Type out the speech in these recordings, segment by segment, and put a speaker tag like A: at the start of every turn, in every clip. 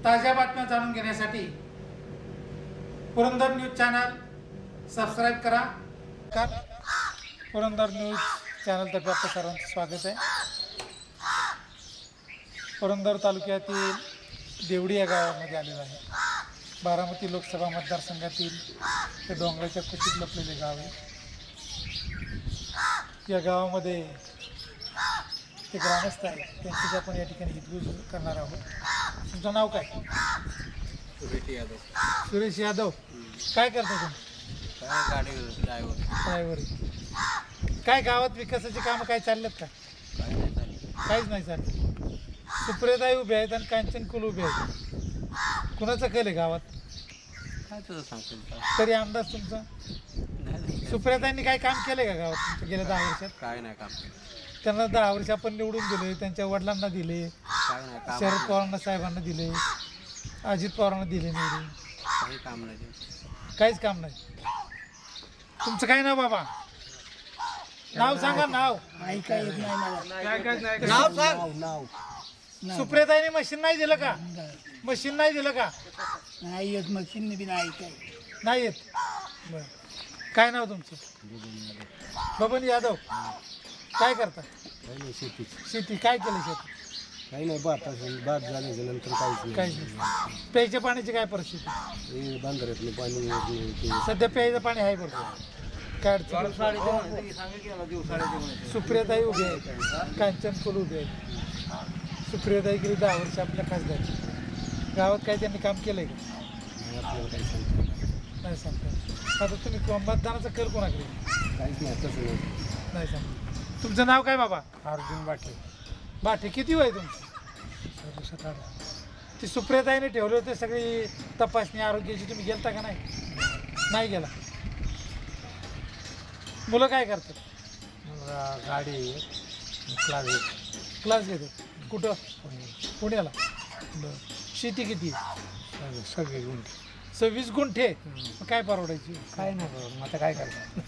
A: ताज्या बातम्या जाणून घेण्यासाठी पुरंदर न्यूज चॅनल सबस्क्राईब करा. पुरंदर न्यूज चॅनलतर्फे आपलं सर्वांचं स्वागत आहे. पुरंदर तालुक्यातील देवडी या गावामध्ये आलेलं आहे. बारामती लोकसभा मतदारसंघातील ते डोंगराच्या कुशीत लपलेले गाव आहे. या गावामध्ये ते ग्रामस्थ आहेत, त्यांची आपण या ठिकाणी हितगुज करणार आहोत. तुमचं नाव काय?
B: सुरेश यादव.
A: सुरेश यादव. काय करता तुम्ही?
B: काय गाडी ड्रायव्हर.
A: काय गावात विकासाची कामं काय चाललेत का?
B: काय नाही चालली.
A: काहीच नाही चाललं. सुप्रियाताई उभे आहेत आणि कांचन कुल उभे आहेत. कुणाचं कल आहे गावात?
B: काय तुझं सांगतो
A: तरी अंदाज तुमचा? सुप्रियाताईंनी काय काम केलं का गावात तुमच्या गेल्या 10 वर्षात?
B: काय नाही काम.
A: त्यांना 10 वर्ष आपण निवडून दिले, त्यांच्या वडिलांना दिले,
B: काय नाही काम.
A: शरद पवारांना साहेबांना दिले, अजित पवारांना दिले निवडून.
B: काही काम नाही.
A: काहीच काम नाही. तुमचं काय नाव बाबा? नाव सांगा. नाव
C: ऐकाय येत नाही मला.
A: नाव सांग. सुप्रियाताईंनी मशीन नाही दिलं का? मशीन नाही दिलं का?
C: नाही येत मशीन बी नाही ऐकाय.
A: नाही येत. बरं. काय नाव तुमचं? बबन यादव. काय करता?
B: काही नाही शेती.
A: शेती. काय केलं शेती?
B: काही नाही भात झाल्याच्या नंतर काहीच
A: काहीच नाही. प्यायच्या पाण्याची काय परिस्थिती?
B: नाही. बांधाऱ्यातलं पाणी येत नाही ते.
A: सध्या प्यायचं पाणी आहे बरोबर. काय अडचण? सुप्रियाताई उभे आहेत, कांचन कुल उभे आहेत. सुप्रियाताई गेली 10 वर्ष आपल्या खासदार. गावात काय त्यांनी काम केलंय का?
B: आपल्याला काही सांगता
A: नाही सांगता. आता तुम्ही मतदानाचा कल कोणाकडे?
B: काहीच नाही. तसं नाही.
A: नाही सांगता. तुमचं नाव काय बाबा?
B: अर्जुन बाटे.
A: बाटे. किती वय तुमचं?
B: 17.
A: ती सुप्रियाताईने ठेवले होते सगळी तपासणी आरोग्याची, तुम्ही गेलता का नाही? नाही गेला. मुलं काय करतात?
B: मला गाडी
A: क्लास घेतो. कुठं? पुण्याला. बरं. शेती किती?
B: सगळे गुण.
A: 26 गुंठे. मग काय परवडायची?
B: काय नाही बाबा. मग आता काय करतात?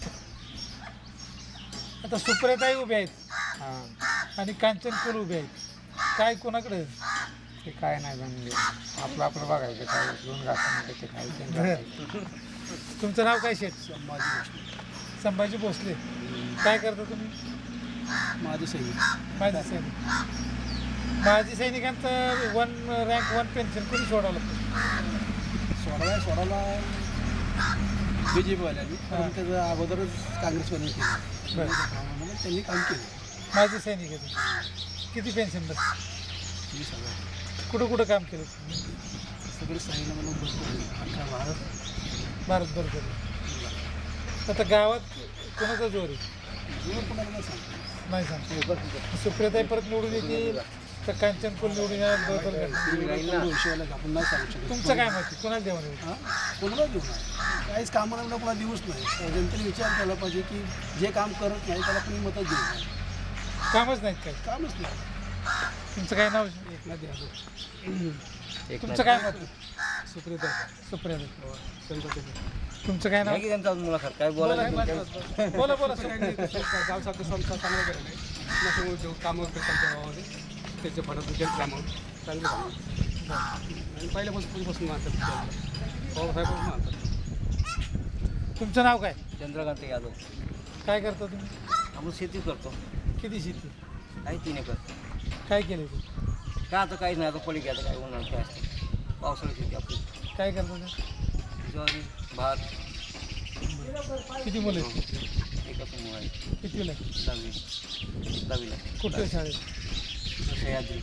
A: आता सुप्रियाताई उभे आहेत
B: हां.
A: आणि कांचन कुल उभे आहेत. काय कोणाकडे?
B: ते काय नाही म्हणजे आपलं बघायचं. काय दोन घासामध्ये ते खायचं.
A: तुमचं नाव काय शेठ? संभाजी भोसले. काय करता तुम्ही?
B: माझी सही.
A: माजी सैनिक. माजी सैनिकांचं 1 पेन्शन कोणी सोडावं लागतं?
B: सोडायला बी जे पीवाल्यांनी पण त्याचं अगोदरच काँग्रेसवाल्यांनी केलं.
A: बरं.
B: त्यांनी काम केलं.
A: माजी सैनिक आहे तुम्ही. किती पेन्शन बस?
B: 20,000.
A: कुठं कुठं काम केलं?
B: सगळे सांगितलं मला भरपूर. अख्खा
A: भारत बरोबर. आता गावात कोणाचा जोर आहे?
B: जुनं कोणाला नाही सांगतो.
A: नाही सांगतो. सुप्रियाताई परत निवडून येतील तर कांचन कुल निवडून येणार बरोबर.
B: आपण नाही सांगू शकत.
A: तुमचं काय माहिती? कोणाला देवा निवडून?
B: हां, कोणाला देऊ नये. काहीच कामाला कोणाला देऊच नाही. जनतेने विचार केला पाहिजे की जे काम करत नाही त्याला कोणी मतं देऊ नये.
A: कामच नाहीत काय?
B: कामच नाही.
A: तुमचं काय नाव?
B: एकनाथ यादव.
A: तुमचं काय मत? सुप्रियाताई. तुमचं काय नाव?
B: मुलाखत काय
A: बोला बोला.
D: गावसारखं संस्था चांगला केलेला आहे. नसं उद्योग कामं करतात आमच्या गावामध्ये. त्याचे फरक उद्योग कामं चांगले कामं आणि पहिल्यापासून मानतात. पवारसाहेब मानतात.
A: तुमचं नाव काय?
B: चंद्रकांत यादव.
A: काय करता तुम्ही?
B: आपण शेती करतो.
A: किती शेती?
B: काही 3 एकर.
A: काय केलं ते?
B: काय आता काहीच नाही. आता पडी घ्यायचं काय उन्हाळ्यात काय असतं. पावसाळी शेती आपली.
A: काय करता ते?
B: ज्वारी भात.
A: किती मुलं आहेत?
B: एकच मुलं आहे.
A: कितीला?
B: 10वीला.
A: कुठल्या शाळेत?
B: सह्याद्री.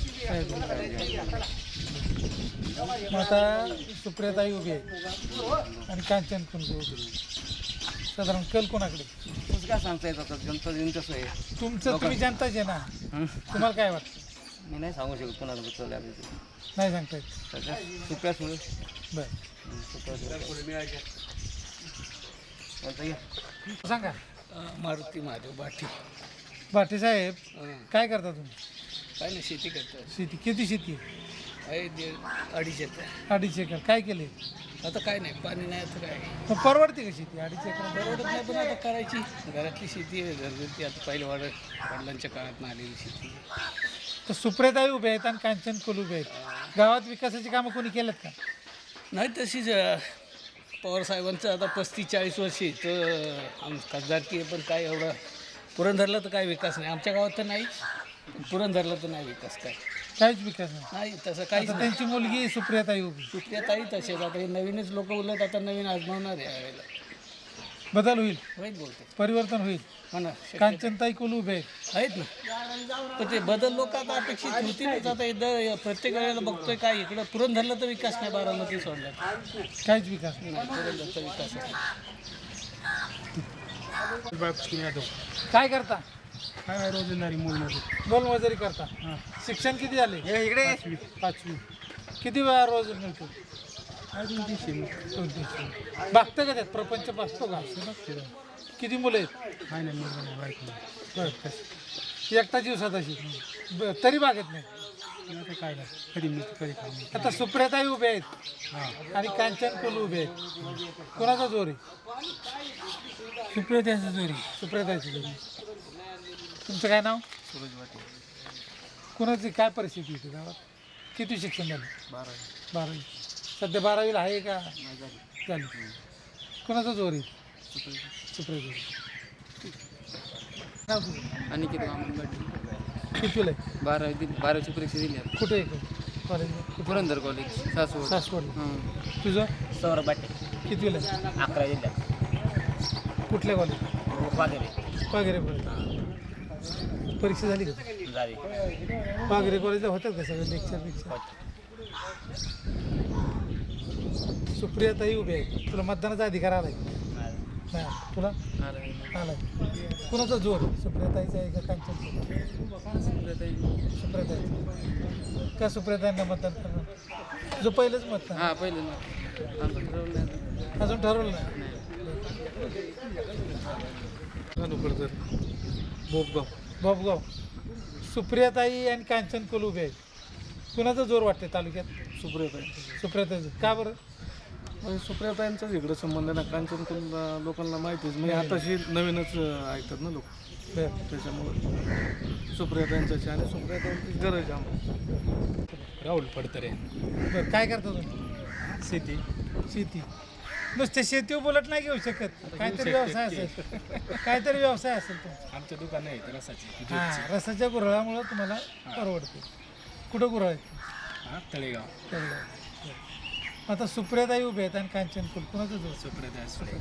A: मग आता सुप्रियाताई उभी आहे आणि कांचन पण उभी आहे. साधारण कल कोणाकडे?
B: तसं काय सांगता येत आता. जनता तसं आहे.
A: तुमचं तुम्ही जनताच आहे ना. तुम्हाला काय वाटतं?
B: मी नाही सांगू शकत कोणाला बसवलं आहे.
A: नाही सांगता येत.
B: सध्या सुप्या सुळे.
A: बरं.
B: सुप्या सुळे.
A: सांगा.
D: मारुती महादेव बाठी.
A: भाटे साहेब काय करता तुम्ही?
D: काय नाही शेती करतात.
A: शेती. किती शेती आहे?
D: आहे 2.5 एकर.
A: 2.5 एकर. काय केले?
D: आता काय नाही पाणी नाही. आता काय
A: मग परवडते का शेती 2.5 एकर?
D: परवडत नाही पण आता करायची. घरातली शेती आहे घरगुती. आता पहिले वडिलांच्या काळात आलेली शेती.
A: तर सुप्रियाताई उभे आहेत आणि कांचन कुल उभे आहेत. गावात विकासाची कामं कोणी केलेत का?
B: नाही तशीच पवारसाहेबांचं आता 35-40 वर्षी तर खासदारकी आहे, पण काय एवढं पुरंदरला तर काय विकास नाही. आमच्या गावात तर नाहीच, पुरंदरला तर नाही विकास काय.
A: काहीच विकास नाही.
B: नाही तसं काहीच
A: आता
B: नाही.
A: त्यांची मुलगी सुप्रियाताई उभी.
B: सुप्रियाताई तसेच आता हे नवीनच लोक उलट आता नवीन आजमावणार आहे यावेळेला.
A: बदल होईल,
B: होईल बहुतेक.
A: परिवर्तन होईल.
B: हो ना, शक्य
A: कांचनताई कुल उभे आहेत.
B: आहेत ना. पण ते बदल लोक आता अपेक्षित होतीलच. आता एकदा प्रत्येक वेळेला बघतोय काय इकडं पुरंदरला तर विकास नाही, बारामती सोडला
A: काहीच विकास नाही.
B: नाही, पुरंदरचा विकास आहे.
A: काय करता?
D: काय नाही रोजंदारी मोलमध्ये
A: मोलमजुरी करता. शिक्षण किती झाले?
D: इकडे
A: 5वी. किती वेळा रोज मिळतो? 200. बघतं का त्यात प्रपंच बसतो का? किती मुलं आहेत?
D: काय नाही मुलगा बायको
A: बरं. एकटा दिवसात अशी तरी बागत नाही.
D: आता काय नाही कधी मी कधी खाऊ.
A: आता सुप्रियाताई उभे आहेत आणि कांचन कुल उभे आहेत. कोणाचा जोर आहे?
D: सुप्रियाताईचा जोरी
A: सुप्रियाताईची जोर. तुमचं काय नाव?
D: सूरज वाटे
A: कोणाची काय परिस्थिती होती गावात? किती शिक्षण झालं? 12वी. सध्या 12वीला आहे का? झाली. कोणाचा जोर आहे? सुप्रियाताई. नाव तुझं?
E: अनिकेत वामन
A: कितवीला आहे?
E: 12वीची परीक्षा दिली आहे.
A: कुठे आहे कॉलेजला?
E: पुरंदर कॉलेज सासवड.
A: सासवडला.
E: हां.
A: तुझं
F: सौरभ बाटे
A: कितवीला आहे?
F: 11 जिल्ह्यात
A: कुठल्या कॉलेज?
F: वगैरे
A: पागेरे कॉलेज. परीक्षा झाली का?
F: झाली
A: पागेरे कॉलेजला होतात का सगळे लेक्चर? सुप्रियाताई उभे आहे. तुला मतदानाचा अधिकार आलाय? नाही. तुला आलाय. कुणाचा जोर? सुप्रियाताईचा आहे का कांचन? सुप्रियाताई. का सुप्रियाताईंना मतदान करणार? तुझं पहिलंच मतदान?
E: हां पहिलं ना आमचं ठरवलं नाही.
A: अजून ठरवलं नाही. बाबगाव. सुप्रियाताई आणि कांचन कुल उभे आहेत. कुणाचा जोर वाटते तालुक्यात? सुप्रियाताईचं. का बरं?
B: म्हणजे सुप्रियाताईंचाच इकडं संबंध ना. कांचन लोकांना माहितीच म्हणजे आताशी नवीनच ऐकतात ना लोक,
A: बरं.
B: त्याच्यामुळे सुप्रियाताईंचाची आणि सुप्रियाताईंची गरज आहे आम्हाला.
D: राहुल पडतरे
A: बरं. काय करता तुम्ही?
D: शेती
A: शेती. नुसते शेतीवर बोलत नाही घेऊ शकत. काहीतरी व्यवसाय असेल. काहीतरी व्यवसाय असेल तुमचा.
D: आमचं दुकान आहे रसाची
A: हां. रसाच्या गुऱ्हाळामुळं तुम्हाला परवडते. कुठं गुऱ्हाळ आहेत?
D: हां तळेगाव.
A: तेवढं. आता सुप्रियाताई उभे आहेत आणि कांचन कुल. कुणाचं जोर?
D: सुप्रियाताई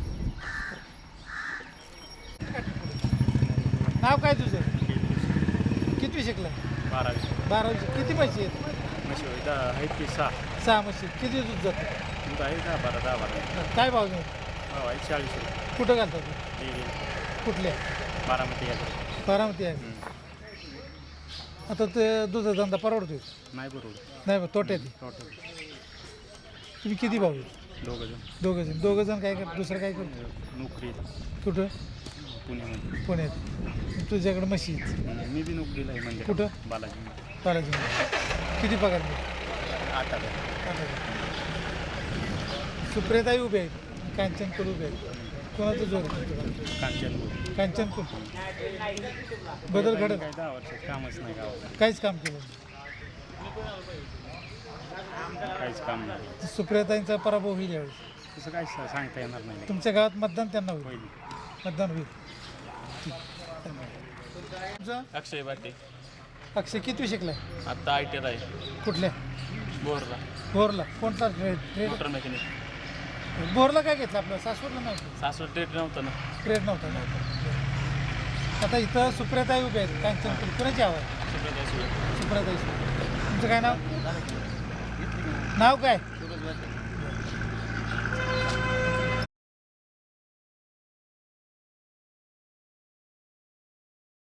A: नाव काय तुझं? कितवी शिकला? 12वी. किती म्हशी आहेत?
D: आहेत की 6
A: 6 म्हशी. किती दूध जातं?
D: आहे का 12
A: काय भाव घेऊ?
D: 40 रुपये
A: कुठं घालतात तू? कुठल्या?
D: बारामती
A: बारामती आहे. आता ते दुधाचा धंदा परवडतोय?
D: नाही बरोबर
A: नाही बा, तोट्यात आहे.
D: टोटल
A: तुम्ही किती भाऊ आहेत?
D: 2 जण.
A: दोघं जण काय करतात? दुसरं काय करतो?
D: नोकरी
A: कुठं?
D: पुण्यामध्ये.
A: पुण्यात. तुझ्याकडे म्हशी आहेत.
D: मी बी नोकरीला आहे म्हणजे
A: कुठं?
D: बालाजी.
A: बालाजी. किती पगार मिळतो?
D: 8,000.
A: सुप्रियाताई उभे आहेत, कांचन कुल उभे आहेत. कोणाचं जोर आहे?
D: कांचन
A: कांचन कुल. बदल घडत?
D: काय 10 वर्षात कामच नाही गावात.
A: काहीच काम केलं
D: काहीच काम नाही.
A: नाही. सुप्रियाताईंचा पराभव होईल यावेळेस.
D: तसं काय सांगता येणार नाही.
A: तुमच्या गावात मतदान त्यांना होईल?
D: होईल.
A: मतदान होईल. ठीक. तुमचं?
F: अक्षय बाटे
A: अक्षय कितवी शिकलाय?
F: आत्ता ITR आहे
A: कुठल्या?
F: बोरला
A: भोरला. कोणता ट्रेड?
F: Motor mechanic.
A: भोरला काय घेतलं आपलं? सासवडला नव्हतं?
F: सासवड ट्रेड नव्हतं ना.
A: ट्रेड नव्हता. आता इथं सुप्रियाताई उभे आहेत, कांचन कुल. कुणाची हवं आहे?
F: सुप्रियाताई सुळे.
A: सुप्रियाताई. तुमचं काय नाव? नाव काय?